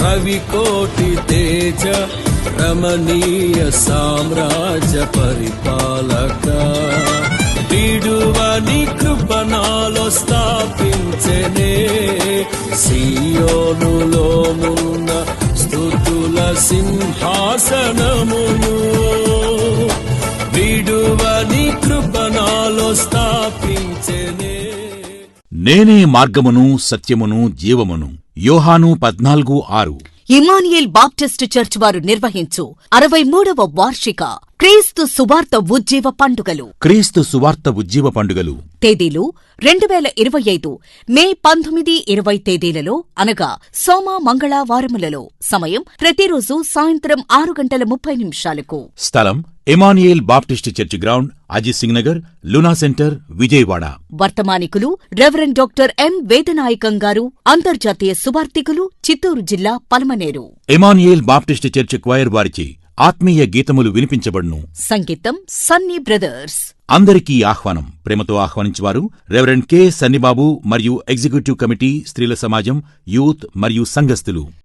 రవికోటి తేజ రమణీయ సామ్రాజ్య పరిపాలక విడువని కృపణాలో స్థాపించెనే సియోనులోనున్న స్తుతుల సింహాసనమును విడువని కృపణాలో స్థాపించెనే. నేనే మార్గమును సత్యమును జీవమును. యోహాను 14:6. ఇమానియేల్ బాప్టిస్ట్ చర్చ్ వారు నిర్వహించు 63వ వార్షిక క్రీస్తు సువార్త ఉజ్జీవ పండుగలు. క్రీస్తు సువార్త ఉజ్జీవ పండుగలు తేదీలు 2025 మే 19, 20 తేదీలలో అనగా సోమ మంగళ వారములలో. సమయం ప్రతిరోజు సాయంత్రం 6:30 స్థలం Emmanuel baptist church ground, Ajit Singh Nagar, Luna centre, Vijayawada. వర్తమానికులు reverend doctor M Vedanayakam garu, అంతర్జాతీయ సువార్తికులు, చిత్తూరు జిల్లా, Palamaner. Emmanuel baptist church choir వారిచే ఆత్మీయ గీతములు వినిపించబడును. సంగీతం సన్నీ బ్రదర్స్. అందరికీ ఆహ్వానం. ప్రేమతో ఆహ్వానించువారు రెవరెండ్ కె. సన్నిబాబు మరియు ఎగ్జిక్యూటివ్ కమిటీ, స్త్రీల సమాజం, యూత్ మరియు సంఘస్థులు.